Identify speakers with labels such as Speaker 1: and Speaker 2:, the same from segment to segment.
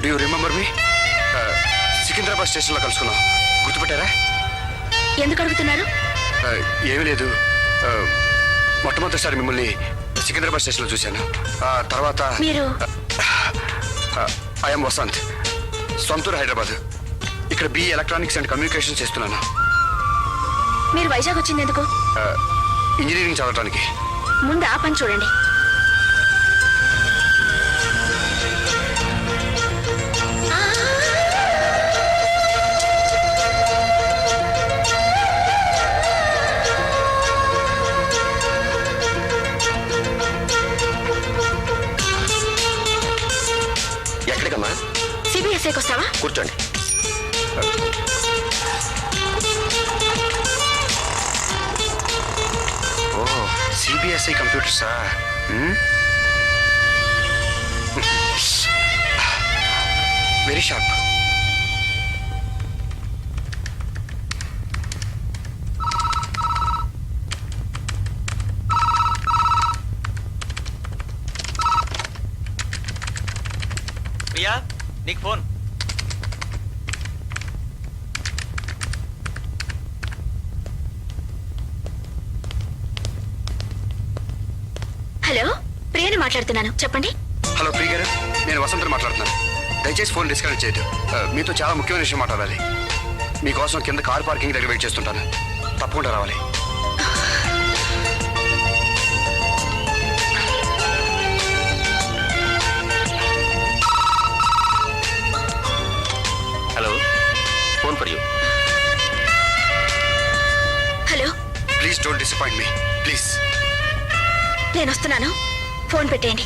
Speaker 1: Do you remember me? Secunderabad స్టేషన్లో కలుసుకున్నాం, గుర్తుపెట్టారా?
Speaker 2: ఎందుకు అడుగుతున్నారు?
Speaker 1: ఏమీ లేదు. మొట్టమొదటిసారి మిమ్మల్ని సికింద్రాబాద్ స్టేషన్లో చూశాను. తర్వాత
Speaker 2: మీరు?
Speaker 1: ఐఎమ్ వసంత్, సొంతూరు హైదరాబాద్. ఇక్కడ BE ఎలక్ట్రానిక్స్ అండ్ కమ్యూనికేషన్ చేస్తున్నాను.
Speaker 2: మీరు వైజాగ్ వచ్చింది ఎందుకు?
Speaker 1: ఇంజనీరింగ్ చదవడానికి.
Speaker 2: ముందు ఆ పని చూడండి.
Speaker 1: ఎక్కడికమ్మా?
Speaker 2: CBSIకి వస్తావా?
Speaker 1: కూర్చోండి. CBSI కంప్యూటర్సా? Very sharp.
Speaker 3: ప్రియా, నీకు ఫోన్.
Speaker 2: హలో, ప్రియని మాట్లాడుతున్నాను, చెప్పండి.
Speaker 1: హలో ప్రియ గారు, నేను వసంత్ మాట్లాడుతున్నాను. దయచేసి ఫోన్ డిస్కనెక్ట్ చేయదు. మీతో చాలా ముఖ్యమైన విషయం మాట్లాడాలి. మీకోసం కింద కార్ పార్కింగ్ దగ్గర వెయిట్ చేస్తుంటాను, తప్పకుండా రావాలి.
Speaker 3: Hello, phone for you.
Speaker 2: Hello,
Speaker 1: please don't disappoint me, please.
Speaker 2: నేను వస్తున్నాను, ఫోన్ పెట్టేయండి.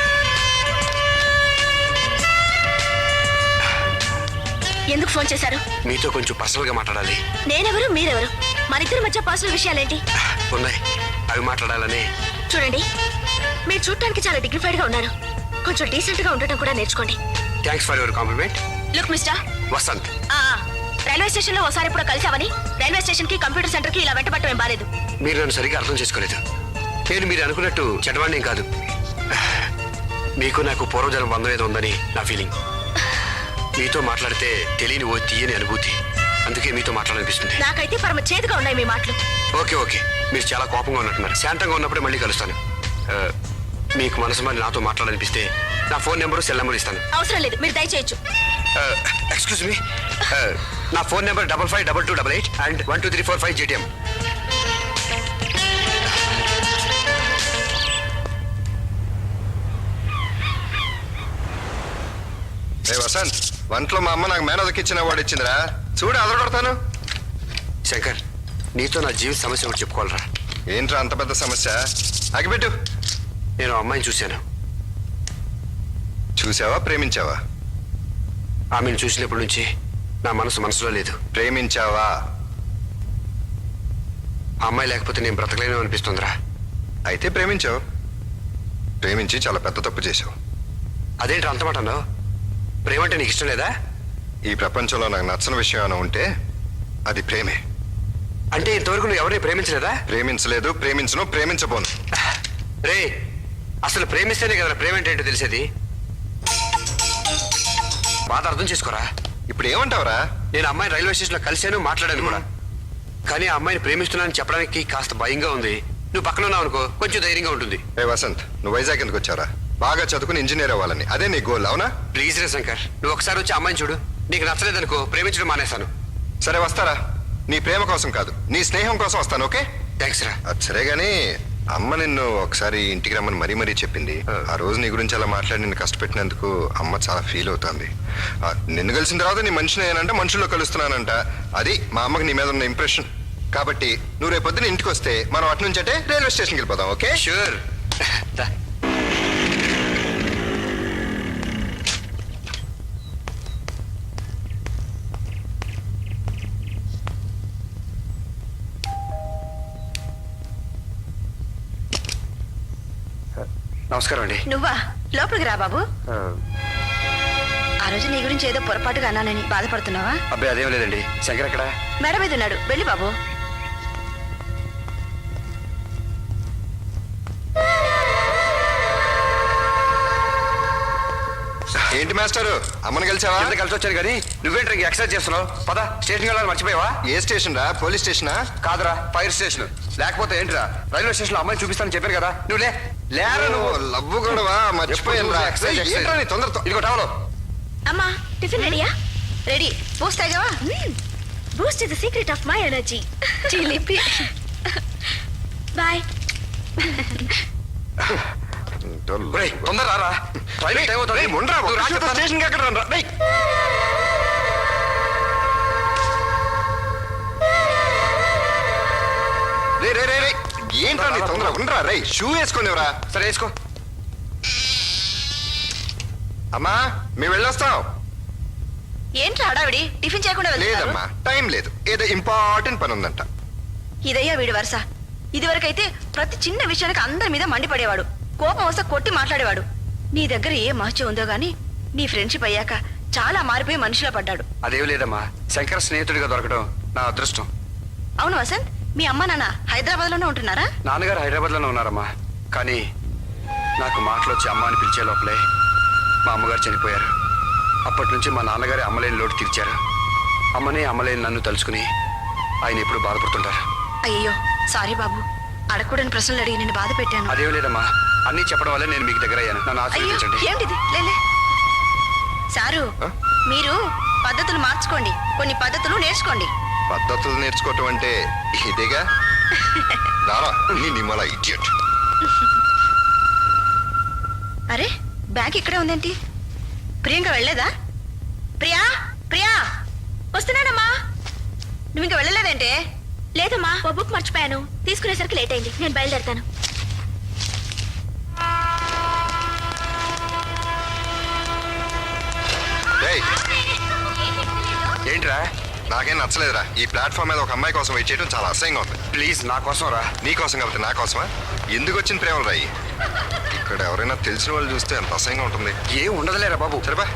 Speaker 2: ఎందుకు ఫోన్ చేశారు?
Speaker 1: మీతో కొంచెం పర్సనల్ గా మాట్లాడాలి.
Speaker 2: నేనెవరు, మీరెవరు? మనిద్దరి మధ్య పర్సనల్ విషయాలేంటి?
Speaker 1: ఉన్నాయి, అవి మాట్లాడాలని.
Speaker 2: చూడండి, మీరు చూడటానికి చాలా డిగ్నిఫైడ్ గా ఉన్నారు. కొంచెం డీసెంట్ గా ఉండటం కూడా నేర్చుకోండి.
Speaker 1: Thanks for your compliment.
Speaker 2: Look mister
Speaker 1: Vasant,
Speaker 2: railway station లో ఒకసారి ఎప్పుడో కలిసావని రైల్వే స్టేషన్ కి కంప్యూటర్ సెంటర్ కి ఇలా వెంటబట్టం ఏం బాలేదు.
Speaker 1: మీరు నన్ను సరిగ్గా అర్థం చేసుకోలేదు. నేను మీరు అనుకున్నట్టు చెడ్డవాణ్ణేం కాదు. మీకు నాకు పూర్వజన్మ బంధం ఏదో ఉందని నా ఫీలింగ్. మీతో మాట్లాడితే తెలియని ఓ తీయని అనుభూతి, అందుకే మీతో మాట్లాడాలనిపిస్తుంది.
Speaker 2: నాకైతే పరమ చేదుగా ఉన్నాయి మీ మాటలు.
Speaker 1: ఓకే ఓకే, మీరు చాలా కోపంగా ఉన్నట్టున్నారు. శాంతంగా ఉన్నప్పుడే మళ్ళీ కలుస్తాను. మీకు మనసు మరి నాతో మాట్లాడాలనిపిస్తే నా ఫోన్ నెంబరు, సెల్ నెంబర్ ఇస్తాను.
Speaker 2: అవసరం లేదు, మీరు దయచేయచ్చు.
Speaker 1: ఎక్స్క్యూజ్ మీ, నా phone number 552288 and 12345 GTM.
Speaker 4: Vasant, వంటలో మా అమ్మ నాకు మేనదకిచ్చిన వాడు ఇచ్చిందిరా, చూడు అదరగొడతాను.
Speaker 1: శంకర్, నీతో నా జీవిత సమస్య ఒకటి చెప్పుకోవాలరా.
Speaker 4: ఏంట్రా అంత పెద్ద సమస్య? అగిపెట్టు.
Speaker 1: నేను అమ్మాయిని చూశాను.
Speaker 4: చూసావా, ప్రేమించావా?
Speaker 1: ఆమెను చూసినప్పటి నుంచి నా మనసులో లేదు.
Speaker 4: ప్రేమించావా?
Speaker 1: ఆ అమ్మాయి లేకపోతే నేను బ్రతకలేను అనిపిస్తుందిరా.
Speaker 4: అయితే ప్రేమించావు. ప్రేమించి చాలా పెద్ద తప్పు చేశావు.
Speaker 1: అదేంటి అంత మాట అన్నావు? ప్రేమంటే నీకు ఇష్టం లేదా?
Speaker 4: ఈ ప్రపంచంలో నాకు నచ్చని విషయం ఏమైనా ఉంటే అది ప్రేమే.
Speaker 1: అంటే ఇంతవరకు నువ్వు ఎవరిని ప్రేమించలేదా?
Speaker 4: ప్రేమించలేదు, ప్రేమించను, ప్రేమించబోను.
Speaker 1: రే, అసలు ప్రేమిస్తేనే కదా ప్రేమ ఏంటో తెలిసేది. బాధ అర్థం చేసుకోరా.
Speaker 4: ఇప్పుడు ఏమంటావురా?
Speaker 1: నేను అమ్మాయిని రైల్వే స్టేషన్లో కలిశాను, మాట్లాడాను కూడా. కానీ ఆ అమ్మాయిని ప్రేమిస్తున్నానని చెప్పడానికి కాస్త భయంగా ఉంది. నువ్వు పక్కన ఉన్నావు అనుకో, కొంచెం ధైర్యంగా ఉంటుంది.
Speaker 4: వసంత్, నువ్వు వైజాగ్ ఎందుకు వచ్చారా? బాగా చదువుకుని ఇంజనీర్ అవ్వాలని, అదే నీ గోల్, అవునా?
Speaker 1: ప్లీజ్ రే శంకర్, నువ్వు ఒకసారి వచ్చి అమ్మాయిని చూడు. నీకు నచ్చలేదనుకో, ప్రేమించడం మానేస్తాను.
Speaker 4: సరే వస్తారా? నీ ప్రేమ కోసం కాదు, నీ స్నేహం కోసం వస్తాను. ఓకే,
Speaker 1: థ్యాంక్స్ రా.
Speaker 4: అది సరే గానీ అమ్మ నిన్ను ఒకసారి ఇంటికి రమ్మని మరీ చెప్పింది. ఆ రోజు నీ గురించి అలా మాట్లాడి నిన్ను కష్టపెట్టినందుకు అమ్మ చాలా ఫీల్ అవుతుంది. నిన్ను కలిసిన తర్వాత నీ మనిషిని ఏనంటే మనుషుల్లో కలుస్తున్నానంట. అది మా అమ్మకి నీ మీద ఉన్న ఇంప్రెషన్. కాబట్టి నువ్వు రేపు పొద్దున ఇంటికి వస్తే మనం అటు నుంచి అంటే రైల్వే స్టేషన్కి వెళ్ళిపోదాం. ఓకే?
Speaker 1: షూర్. నమస్కారం అండి.
Speaker 2: నువ్వా? లోపలికి రా బాబు. ఆ రోజు నీ గురించి ఏదో పొరపాటుగా అన్నానని బాధపడుతున్నావా?
Speaker 1: అబ్బాయి అదేం లేదండి. శంకర్ ఎక్కడ?
Speaker 2: మేడ మీద ఉన్నాడు, వెళ్ళి బాబు.
Speaker 4: ఏంటి మాస్టారు అమ్మని కలిసావా?
Speaker 1: ఎంత కలిసి వచ్చాను కానీ నువ్వేంటి ఇంక ఎక్సర్సైజ్ చేస్తున్నావు? పద స్టేషన్కి వెళ్ళాలని మర్చిపోయావా?
Speaker 4: ఏ స్టేషన్ రా? పోలీస్ స్టేషనా?
Speaker 1: కాదురా, ఫైర్ స్టేషన్. లేకపోతే ఏంటిరా, రైల్వే స్టేషన్ లో అమ్మాయిని చూపిస్తానని చెప్పాను కదా. నువ్వు లేరా నువ్వు.
Speaker 4: లవ్వు గొడవ మర్చిపోయాను రా. ఏంట్రా నీ తొందరతో?
Speaker 1: ఇదిగో టవలో.
Speaker 2: అమ్మా టిఫిన్ రెడీయా?
Speaker 5: రెడీ. బూస్ట్ తాగావా?
Speaker 2: Boost is the secret of my energy.
Speaker 5: చిలిపి.
Speaker 2: బాయ్.
Speaker 1: ఒరేయ్, తొందర రారా, రైల్వే టైం అవుతుంది.
Speaker 4: రేయ్, ముండ్రా,
Speaker 1: నువ్వు రా
Speaker 4: ఒక్క
Speaker 1: చెప్తాను.
Speaker 4: స్టేషన్కి ఎక్కడ రా? రేయ్. రే రే రే రే ఏంట్రా నీ తొందర? ఉండరా రే, షూ వేసుకునేవరా?
Speaker 1: సరే వేసుకో.
Speaker 4: అమ్మా మేము వెళ్ళొస్తాం.
Speaker 5: ఏంట్రా హడావిడి? టిఫిన్ చేయకుండా వెళ్తున్నారు?
Speaker 4: లేదమ్మా, టైం లేదు, ఏదో ఇంపార్టెంట్ పని ఉందంట.
Speaker 5: ఇదయ్యా వీడి వరుస. ఇదివరకైతే ప్రతి చిన్న విషయానికి అందరి మీద మండిపడేవాడు, కోపం వస్తే కొట్టి మాట్లాడేవాడు. నీ దగ్గర ఏ మహత్యం ఉందో గానీ నీ ఫ్రెండ్షిప్ అయ్యాక చాలా మారిపోయి మనిషిలో పడ్డాడు.
Speaker 1: అదేం లేదమ్మా, శంకర్ స్నేహితుడిగా దొరకడం నా అదృష్టం.
Speaker 5: అవును వసంత్, మీ అమ్మ నాన్న హైదరాబాద్ లోనే ఉంటున్నారా?
Speaker 1: నాన్నగారు హైదరాబాద్ లోనే ఉన్నారమ్మా. కానీ నాకు మాటలు వచ్చి అమ్మ అని పిలిచే లోపలే మా అమ్మగారు చనిపోయారు. అప్పటి నుంచి మా నాన్నగారి అమ్మలేని లోటు తీర్చారు. అమ్మనే అమ్మలేని నన్ను తలుచుకుని ఆయన ఎప్పుడు బాధపడుతుంటారు.
Speaker 5: అయ్యో సారీ బాబు, అడగకూడని ప్రశ్నలు అడిగి నేను బాధ పెట్టాను.
Speaker 1: అదేం లేదమ్మా, అన్నీ చెప్పడం వల్లే నేను మీకు దగ్గర అయ్యాను. నన్ను
Speaker 5: అయ్యో
Speaker 1: ఆశీర్వదించండి.
Speaker 5: ఏమిటిది? లేలే సారు,
Speaker 4: ఆ?
Speaker 5: మీరు పద్ధతులు మార్చుకోండి, కొన్ని పద్ధతులు నేర్చుకోండి.
Speaker 4: పద్ధతులు నేర్చుకోవటం అంటే ఇదేగా. రారా నీ నిమ్మల ఇడియట్.
Speaker 5: అరే బ్యాగ్ ఇక్కడే ఉందేంటి? ప్రియాంక వెళ్ళలేదా? ప్రియా ప్రియా,
Speaker 2: వస్తున్నానమ్మా.
Speaker 5: నువ్వు ఇంకా వెళ్ళలేదంటే?
Speaker 2: లేదమ్మా, ఓ బుక్ మర్చిపోయాను, తీసుకునేసరికి లేట్ అయింది. నేను బయలుదేరుతాను.
Speaker 4: రేయ్,
Speaker 1: ఏంట్రా?
Speaker 4: నాకేం నచ్చలేదురా. ఈ ప్లాట్ఫామ్ మీద ఒక అమ్మాయి కోసం వెయిట్ చేయడం చాలా అసహ్యంగా ఉంది.
Speaker 1: ప్లీజ్ నా కోసం రా.
Speaker 4: నీ కోసం కాబట్టి నా కోసమా? ఎందుకు వచ్చిన ప్రేమలు రాయి? ఇక్కడ ఎవరైనా తెలిసిన వాళ్ళు చూస్తే ఎంత అసహ్యంగా ఉంటుంది.
Speaker 1: ఏం ఉండదులేరా బాబు.
Speaker 4: సరేపా.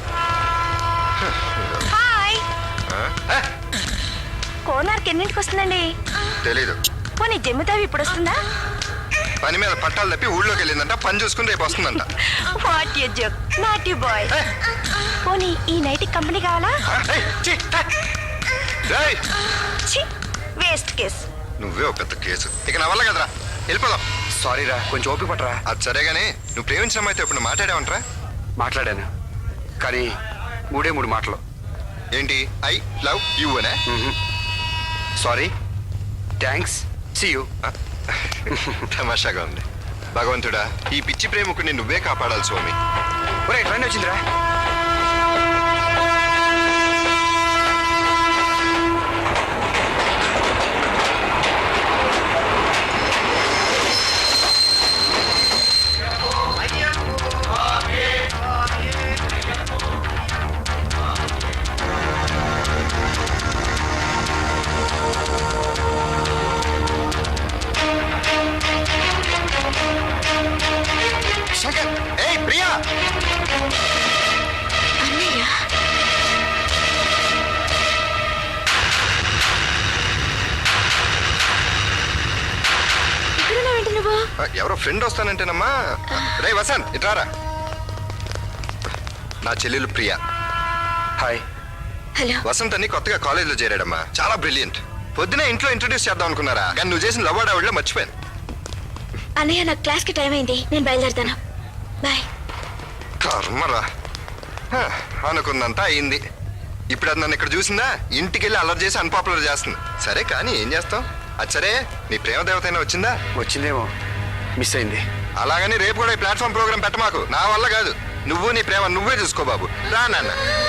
Speaker 5: హాయ్.
Speaker 4: ఆ?
Speaker 2: కోనార్క్ ఎన్నింటికి వస్తుందండి?
Speaker 4: తెలీదు.
Speaker 2: పోనీ జమ్మితావి ఇప్పుడు వస్తుందా?
Speaker 4: పని మీద పట్టాలు తప్పి ఊళ్ళోకి వెళ్ళిందంట. పని చూసుకుని రేపు వస్తుందంట.
Speaker 2: What you joke, not you boy. పోనీ ఈ నైట్ కంపెనీ కావాలా?
Speaker 4: ఏయ్, ఛీ, రేయ్,
Speaker 2: ఛీ, వేస్ట్ కేస్.
Speaker 4: నువ్వే ఒక పెద్ద కేసు. ఇక నా వల్ల కదరా, వెళ్ళిపోదాం.
Speaker 1: సారీ రా, కొంచెం ఓపిక పట్టరా.
Speaker 4: అది సరే గానీ నువ్వు ప్రేమించిన అమ్మాయితో ఇప్పుడు మాట్లాడావంటరా?
Speaker 1: మాట్లాడాను, కానీ మూడే మూడు మాటలు.
Speaker 4: ఏంటి? ఐ లవ్ యూ అనే?
Speaker 1: Sorry, thanks, see you.
Speaker 4: తమాషాగా ఉంది. భగవంతుడా, ఈ పిచ్చి ప్రేమకుని నువ్వే కాపాడాలి స్వామి.
Speaker 1: ఒరే ట్రైన్ వచ్చిందిరా.
Speaker 4: శంకర్, ఏయ్ ప్రియా.
Speaker 2: అన్నయ్య, ఇక్కడున్నావేంటి నువ్వు?
Speaker 4: ఎవరో ఫ్రెండ్ వస్తానంటేనమ్మా. రే వసంత్, ఇట్రారా. నా చెల్లెలు ప్రియా.
Speaker 1: హాయ్.
Speaker 2: హలో.
Speaker 4: వసంత్ అని కొత్తగా కాలేజీలో చేరాడమ్మా. చాలా బ్రిలియంట్. పొద్దునే ఇంట్లో ఇంట్రొడ్యూస్ చేద్దాం అనుకున్నారా, కానీ నువ్వు చేసిన లవ్ ఆవిడలో మర్చిపోయాను.
Speaker 2: అన్నయ్య, నాకు క్లాస్కి టైం అయింది, నేను బయలుదేరుతాను. బాయ్.
Speaker 4: కర్మరా. హ, అనుకుందంతా అయింది. ఇప్పుడు అది నన్ను ఇక్కడ చూసిందా, ఇంటికి వెళ్ళి అల్లరి చేసి అన్పాపులర్ చేస్తుంది. సరే కానీ ఏం చేస్తాం. అది సరే, నీ ప్రేమ దేవత అయినా వచ్చిందా?
Speaker 1: వచ్చిందేమో, మిస్ అయింది.
Speaker 4: అలాగని రేపు కూడా ఈ ప్లాట్ఫామ్ ప్రోగ్రామ్ పెట్టమాకు. నా వల్ల కాదు. నువ్వు నీ ప్రేమ నువ్వే చూసుకో బాబు. రా నాన్న.